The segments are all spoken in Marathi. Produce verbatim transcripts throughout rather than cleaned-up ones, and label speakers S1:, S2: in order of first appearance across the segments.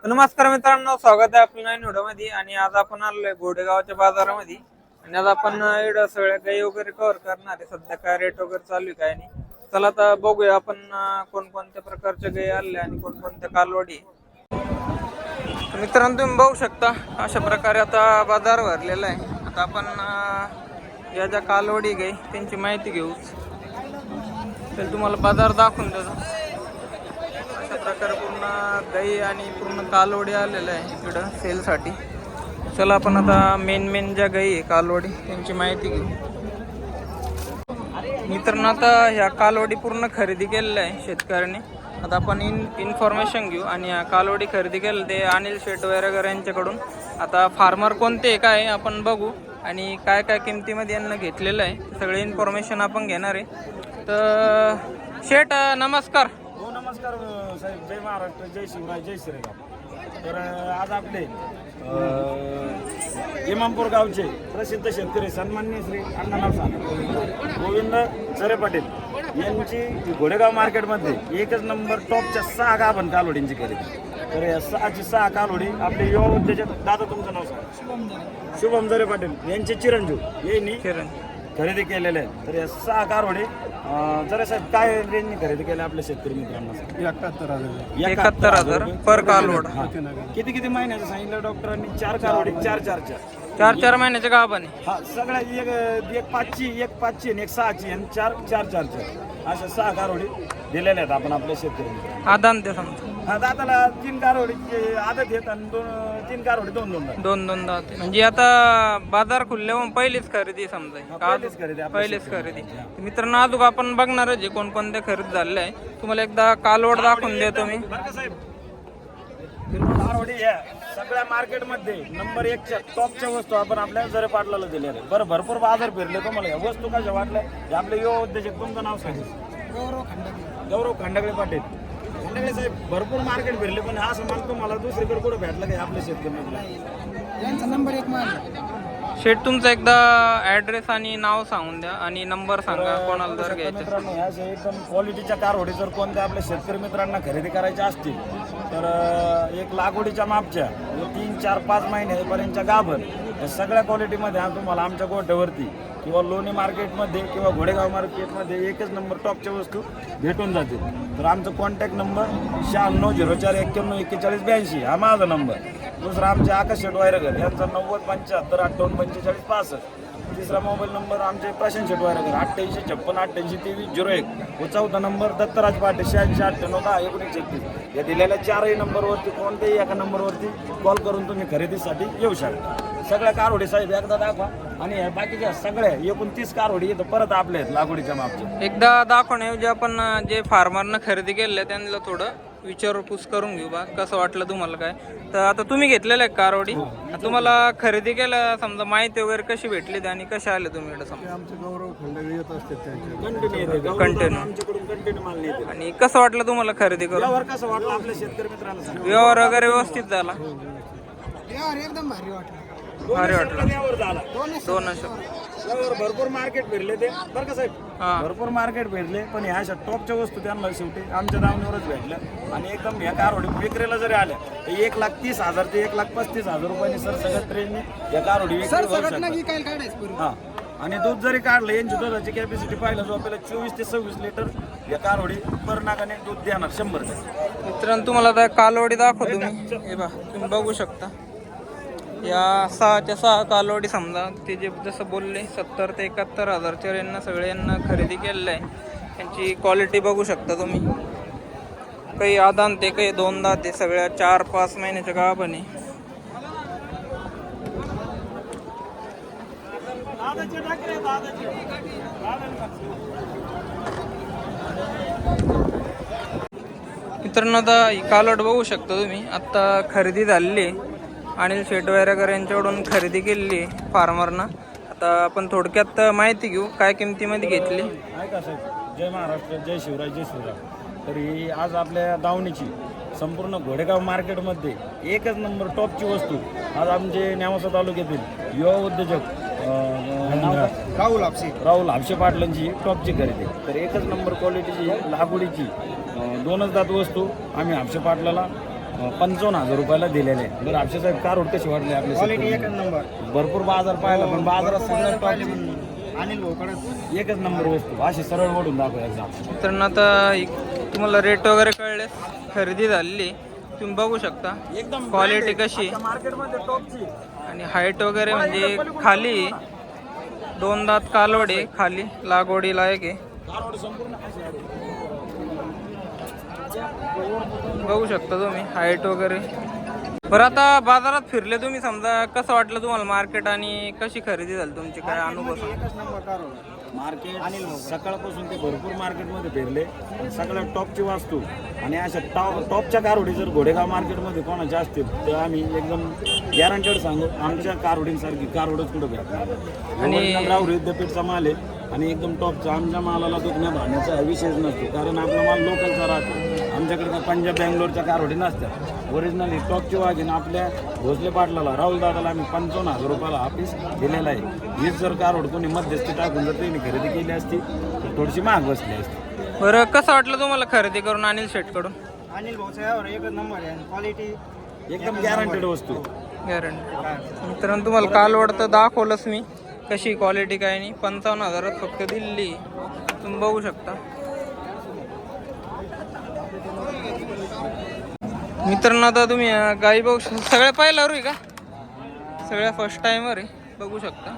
S1: नमस्कार मित्रांनो, स्वागत आहे आपल्या नवीन व्हिडिओमध्ये. आणि आज आपण आलोय गोडेगावच्या बाजारामध्ये आणि आज आपण इकडं सगळ्या गाई वगैरे कव्हर करणार आहे. सध्या काय रेट वगैरे चालू आहे काय नाही, चला आता बघूया आपण कोणकोणत्या प्रकारच्या गाई आल्या आणि कोणकोणत्या कालवडी. मित्रांनो तुम्ही बघू शकता अशा प्रकारे आता बाजार भरलेला आहे. आता आपण या ज्या कालवडी गाई त्यांची माहिती घेऊ, तर तुम्हाला बाजार दाखवून देतो. अशा प्रकारे पूर्ण गाई आणि पूर्ण कालवडी आलेलं आहे इकडं सेलसाठी. चला आपण आता मेन मेन ज्या गाई आहे कालवडी त्यांची माहिती घेऊ. मित्रांनो आता ह्या कालवडी पूर्ण खरेदी केलेल्या आहे शेतकऱ्यांनी. आता आपण इन इन्फॉर्मेशन घेऊ आणि ह्या कालवडी खरेदी केलं ते अनिल शेट वैरागर यांच्याकडून. आता फार्मर कोणते काय आपण बघू आणि काय काय किमतीमध्ये यांना घेतलेलं आहे सगळे इन्फॉर्मेशन आपण घेणार आहे. तर शेट नमस्कार.
S2: हो नमस्कार साहेब, जय महाराष्ट्र, जय शिवराय, जय श्रीराम. तर आज आपले इमामपूर गावचे प्रसिद्ध शेतकरी सन्माननीय श्री अण्णाराव साहेब गोविंद चरे पाटील यांची घोडेगाव मार्केटमध्ये एकच नंबर टॉपच्या सहा गाभण कालवडींची खरेदी. तर या सहाची सहा कालवडी आपले युवा उद्योजक दादा, तुमचं नाव सांगा. शुभम जरे पाटील यांचे चिरंजीव यांनी खरेदी केलेले आहे. तर या सहा कालवडी जरा साहेब काय रेंजने खरेदी केल्या आपल्या शेतकरी मित्रांना?
S3: एकाहत्तर हजार
S1: एकाहत्तर हजार पर कालवड.
S2: किती किती महिन्याचं सांगितलं डॉक्टरांनी? चार कालवडी, चार चार चार
S1: चार चार महिन्याच्या गाभण आहे.
S2: हा सगळ्या एक एक पाचची, एक पाचची आणि एक सहाची आणि चार चार चार चार अशा सहा कालवडी दिलेल्या आहेत आपण आपल्या शेतकरी मित्रांना.
S1: आदान ते समजा
S2: हा दादाला तीन कालवडी आदत येत आणि दोन तीन कालवडी दोन दोन
S1: दोन दोन दात. म्हणजे आता बाजार खुलल्यावर पहिलीच खरेदी समजा,
S2: पहिलीच खरेदी आपल्या
S1: पहिलीच खरेदी. मित्रांनो अजून आपण बघणार जे कोणकोणत्या खरेदी झालेल्या आहे. तुम्हाला एकदा कालवड दाखवून देतो मी.
S2: कालवडी या सगळ्या मार्केटमध्ये नंबर एकच्या टॉपच्या वस्तू आपण आपल्या जरे पाटलाला दिल्या आहेत. बरं भरपूर बाजार फिरले तुम्हाला या वस्तू कशा वाटल्या हे आपले युवा उद्योजक. तुमचं नाव सांगितलं?
S3: गौरव खंडे.
S2: गौरव खंडगळे पाटील. खंडगळे साहेब भरपूर मार्केट फिरले पण हा सामान तुम्हाला दुसरीकडे कुठं भेटलं काय आपल्या शेतकऱ्यांना?
S3: यांचा नंबर एक मान.
S1: शेट तुमचा एकदा ऍड्रेस आणि नाव सांगून द्या आणि नंबर सांगा कोणाला जर घ्यायचं.
S2: मित्रांनो ह्या जे एकदम क्वालिटीच्या कारवडी जर कोणत्या आपल्या शेतकरी मित्रांना खरेदी करायच्या असतील तर एक लागवडीच्या मापच्या तीन चार पाच महिन्यापर्यंतच्या गाभण या सगळ्या क्वालिटीमध्ये हा तुम्हाला आमच्या गोठ्यावरती किंवा लोणी मार्केटमध्ये किंवा घोडेगाव मार्केटमध्ये एकच नंबर टॉपच्या वस्तू भेटून जातील. तर आमचा कॉन्टॅक्ट नंबर शहाण्णव झिरो चार एक्क्याण्णव एक्केचाळीस ब्याऐंशी हा माझा नंबर. दुसरा आमचे आकाश शेट वायरगर यांचा नव्वद पंच्याहत्तर अठ्ठावन्न पंचेचाळीस पासष्ट. तिसरा मोबाईल नंबर आमचे प्रशांत शेट वायरगर अठ्ठ्याऐंशी छप्पन अठ्ठ्याऐंशी तेवीस झिरो एक. व चौथा नंबर दत्तराज पाटे शहाऐंशी अठ्ठ्याण्णव दहा एकोणीस एकतीस. या दिलेल्या चारही नंबरवरती कोणत्याही एका नंबरवरती कॉल करून तुम्ही खरेदीसाठी येऊ शकता. सगळ्या कारवडी साहेब एकदा दाखवा आणि बाकीच्या सगळ्या एकूण तीस कारवडी येतं परत आपल्या आहेत लागवडीच्या मापच्या.
S1: एकदा दाखवण्याऐवजी आपण जे फार्मरनं खरेदी केलेलं आहे त्यांना थोडं विचारपूस करून घेऊ बा कसं वाटलं तुम्हाला काय. तर आता तुम्ही घेतलेलं आहे कारवडी, तुम्हाला खरेदी केलं समजा माहिती वगैरे कशी भेटली आणि कशा आले तुम्ही इकडे समजा?
S3: आमचे गौरव खंडे येत असते त्यांचे
S2: कंटिन्यू येते
S1: कंटिन्यू.
S2: आमच्याकडून कंटिन्यू माल येते.
S1: आणि कसं वाटलं तुम्हाला खरेदी करून?
S2: व्यवहार कसं वाटलं आपल्या शेतकरी मित्रांना सांगा.
S1: व्यवहार वगैरे व्यवस्थित झाला?
S3: यार एकदम भारी वाटलं.
S1: भारी वाटलं.
S2: व्यवहार झाला
S1: दोन अशा
S2: व्यवहार भरपूर मार्केट फिरले ते बरं का साहेब.
S1: हा.
S2: भरपूर मार्केट फिरले पण ह्या अशा टॉपच्या वस्तू त्यांना शेवटी आमच्या दावणीवरच भेटल्या. आणि एकदम ह्या कारवडी विक्रीला जरी आल्या तर एक लाख तीस हजार ते एक लाख पस्तीस हजार रुपयांनी सर सगळ्या ट्रेनने या कारवडी विक्री
S3: सर
S2: होऊ
S3: सगळं
S2: शकतात.
S3: नाही काय काढायचं पूर्वी.
S2: हा आणि दूध जरी काढलं यांची दुधाची कॅपॅसिटी पाहिलं जो आपल्याला चोवीस ते सव्वीस लिटर या कारवडी पर नागाने दूध देणार शंभर टक्के.
S1: मित्रांनो तुम्हाला आता कालवडी दाखवतो मी. हे बा तुम्ही बघू शकता या सहाच्या सहा कालवडी समजा ते जे जसं बोलले सत्तर ते एकाहत्तर हजारच्या यांना सगळ्यांना खरेदी केलेलं आहे. त्यांची क्वालिटी बघू शकता तुम्ही. काही आदान ते काही दोन दात ते सगळ्या चार पाच महिन्याच्या गाभणी. मित्रांनो आता ही कालवड बघू शकता तुम्ही. आत्ता खरेदी झालेली आहे अनिल शेट वैरागर यांच्याकडून खरेदी केलेली आहे फार्मरनं. आता आपण थोडक्यात माहिती घेऊ काय किमतीमध्ये घेतली.
S2: ऐका साहेब, जय महाराष्ट्र, जय शिवराय, जय शिवराय. तर ही आज आपल्या दावणीची संपूर्ण घोडेगाव मार्केटमध्ये एकच नंबर टॉपची वस्तू आज आमचे नेवासा तालुक्यातील युवा उद्योजक
S3: राहुल आपसी
S2: राहुल हापशे पाटलांची टॉपची खरेदी. तर एकच नंबर क्वालिटीची लागवडीची दोनच दात वस्तू आम्ही हापशे पाटलाला पंचावन्न हजार रुपयाला दिलेले आहे. बरं अक्षय साहेब कारवड कशी वाटली आपली
S3: क्वालिटी एकच
S2: शेतकरी?
S3: नंबर.
S2: भरपूर बाजार पाहिला पण बाजारात सगळ्यात टॉपची
S3: अनिल भाऊकडे
S2: एकच नंबर वस्तू अशी सरळ ओढून दाखव एकदा.
S1: मित्रांनो आता इ- तुम्हाला रेट वगैरे कळले, खरेदी झालेली तुम्ही बघू शकता.
S2: एकदम
S1: क्वालिटी कशी
S2: मार्केटमध्ये टॉपची.
S1: आणि हाईट वगैरे म्हणजे खाली दोन दात कालवडे, खाली लागवडी लायक आहे.
S2: कारवड संपूर्ण अशी आहे.
S1: बघू शकता तुम्ही हाईट वगैरे. बरं आता बाजारात फिरले तुम्ही, समजा कसं वाटलं तुम्हाला मार्केट आणि कशी खरेदी झाली तुमची, काय अनुभव सांगा.
S3: एकच नंबर कारवड.
S2: मार्केट सकाळपासून ते भरपूर मार्केटमध्ये फिरले. सगळ्यात टॉपची वास्तू आणि अशा टॉप टॉपच्या कारवडी जर घोडेगाव मार्केटमध्ये कोणाच्या असतील तर आम्ही एकदम गॅरंटेड सांगू आमच्या कारवडींसारखी कारवडच कुठं भेटणार. आणि राहुरी विद्यापीठचा माल आहे आणि एकदम टॉपचा. आमच्या मालाला दुखण्या भाण्याचा विषयच नसतो कारण आपला माल लोकलचा राहतो. आमच्याकडे काय पंजाब बँगलोरच्या कारवडी नसतात. ओरिजिनली टॉपची वाघीन आपल्या भोसले पाटलाला राहुल दादाला आम्ही पंचावन्न हजार रुपयाला ऑफिस दिलेला आहे. हीच जर कारवड कोणी मध्यस्थी टाकून जर त्यांनी खरेदी केली असती तर थोडीशी महाग बसली असती.
S1: बरं कसं वाटलं तुम्हाला खरेदी करून अनिल शेटकडून?
S3: अनिल भाऊचा यावर एकच नंबर आहे. क्वालिटी
S2: एकदम गॅरंटेड वस्तू.
S1: गॅरंटी. मित्रांनो तुम्हाला कालवड तर दाखवलंच मी कशी क्वालिटी काय नाही. पंचावन्न हजारात फक्त दिल्ली तुम्ही बघू शकता. मित्रांनो आता तुम्ही अं, गाई बघू शकता. सगळ्या पाहिल्यावर आहे का? सगळ्या फर्स्ट टाइमवर आहे, बघू शकता.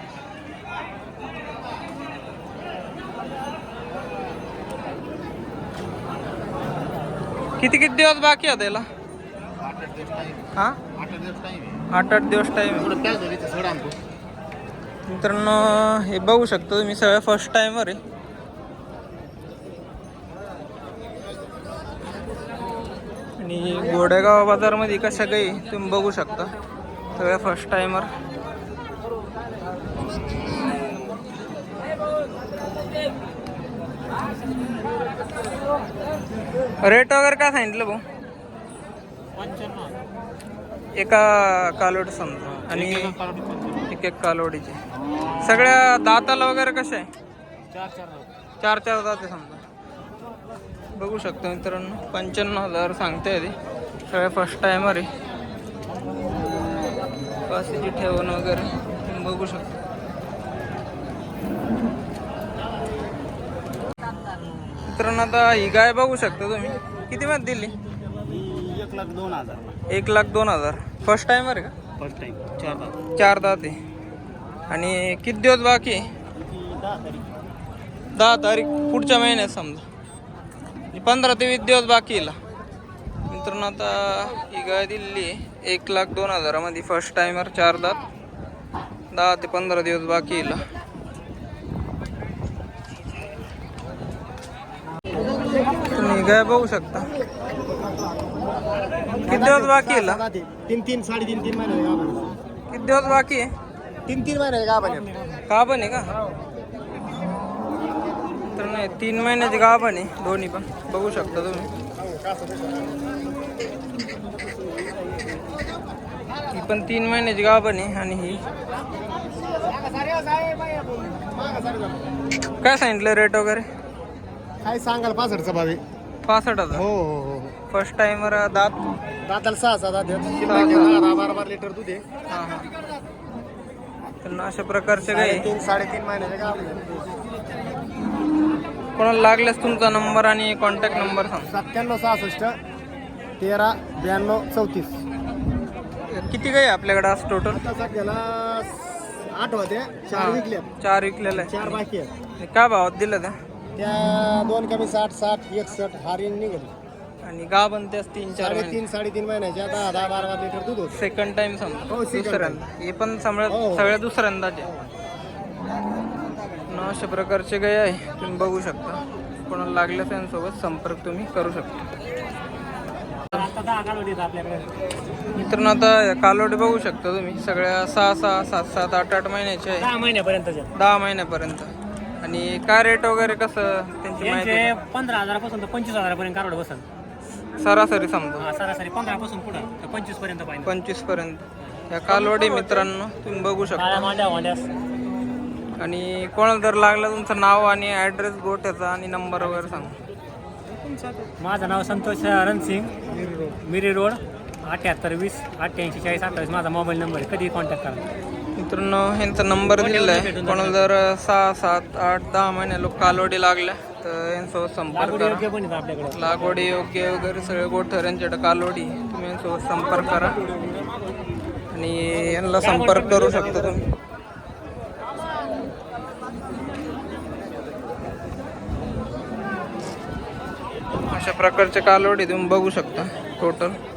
S1: किती किती दिवस बाकी आहे त्याला? हा आठ आठ दिवस टाइम. मित्रांनो हे बघू शकता तुम्ही सगळ्या फर्स्ट टाइमवर आहे. आणि गोडेगाव बाजारमध्ये कशा काही तुम्ही बघू शकता सगळ्या फर्स्ट टाइमर. रेट वगैरे काय सांगितलं भाऊ? एका कालोड समजा आणि एक एक कालोडीचे. सगळ्या दाताला वगैरे कशा आहे? चार चार दाते समजा. बघू शकतो मित्रांनो पंच्याण्णव हजार सांगते ते. सगळ्या फर्स्ट टाइमर आहे. पासीची ठेवण वगैरे तुम्ही बघू शकता. मित्रांनो आता ही गाय बघू शकता तुम्ही किती मध्ये दिली?
S3: एक लाख दोन हजार.
S1: एक लाख दोन हजार फर्स्ट टाइमर आहे का?
S3: First time. चार लाख.
S1: चार दात आहे. आणि किती दिवस बाकी आहे?
S3: दहा तारीख.
S1: दहा तारीख पुढच्या महिन्यात समजा. पंधरा ते वीस दिवस बाकी येईल. मित्रांनो आता ही गाय दिलेली आहे एक लाख दोन हजारामध्ये फर्स्ट टाइमर, चार दात, दहा ते पंधरा दिवस बाकी येईल. तुम्ही गाय बघू शकता किती दिवस बाकी येईल?
S3: तीन तीन साडेतीन तीन महिने गाभण.
S1: किती दिवस बाकी आहे?
S3: तीन तीन महिने गाभण.
S1: का पण आहे का? तर नाही तीन महिन्याची गाभण आहे दोन्ही पण बघू शकता तुम्ही. ही पण तीन महिन्याची गाभण आहे. आणि ही काय सांगितलं रेट वगैरे?
S3: काय सांगाल पासष्टचा भावे.
S1: पासष्ट हजार
S3: हो हो हो.
S1: फर्स्ट टाइमर दात.
S3: दाताला सहा सहा दात आहेत. दहा बारा बारा लिटर दूध आहे.
S1: हां हां. तर अशा प्रकारचे काही
S3: तीन साडेतीन महिन्याचे गाभण.
S1: कोणाला लागल्यास तुमचा नंबर आणि कॉन्टॅक्ट नंबर सांग.
S3: सत्त्याण्णव सहासष्ट तेरा ब्याण्णव चौतीस.
S1: किती काही आपल्याकडे आज टोटल?
S3: आता सध्याला आठ होते. चार विकले.
S1: चार विकलेलं आहे.
S3: चार बाकी आहेत.
S1: काय भावात दिलं त्या?
S3: त्या दोन कमी साठ साठ एकसष्ट हारीन निघाली.
S1: आणि गाव पण त्याच तीन चार
S3: साडेतीन साडेतीन महिन्याच्या दहा दहा बारा बारा लिटर दूध होतं.
S1: सेकंड टाइम समजा.
S3: हो, second
S1: दुसऱ्यांदा हे पण सगळ्या
S3: हो.
S1: सगळ्या दुसऱ्यांदाचे. न अशा प्रकारचे गाय आहे तुम्ही बघू शकता. कोणाला लागल्या त्यांच्यासोबत संपर्क तुम्ही करू शकता. मित्रांनो आता कालोडी बघू शकता तुम्ही सगळ्या सहा सहा सात सात आठ आठ महिन्याचे आहे.
S3: दहा महिन्यापर्यंत
S1: दहा महिन्यापर्यंत. आणि काय रेट वगैरे कसं त्यांची माहिती?
S3: पंधरा हजारापासून तर पंचवीस हजारापर्यंत कारवड बसल.
S1: सरासरी समजा
S3: सरासरी पंधरा पासून पुढे पंचवीस पर्यंत पाहिजे.
S1: पंचवीस पर्यंत या कालवडी मित्रांनो तुम्ही बघू शकता. आणि कोणाला जर लागलं तुमचं नाव आणि ॲड्रेस गोट्याचा आणि नंबर वगैरे सांगा.
S4: माझं नाव संतोष रणसिंग, मिरी रोड, अठ्याहत्तर वीस अठ्ठ्याऐंशी चाळीस अठ्ठावीस माझा मोबाईल नंबर आहे. कधी कॉन्टॅक्ट करा.
S1: मित्रांनो ह्यांचा नंबर दिलेला आहे. कोणाला जर सहा सात आठ दहा महिने लोक कालवडी लागल्या तर यांच्यासोबत संपर्क
S4: लागवड
S1: करा.
S4: योग्य पण आहे आपल्याकडे.
S1: लागवडी योग्य वगैरे सगळे गोठर यांच्याकडे कालवडी, तुम्ही यांच्यासोबत संपर्क करा आणि यांना संपर्क करू शकता तुम्ही. अशा प्रकारचे कालवडी तुम्ही बघू शकता टोटल.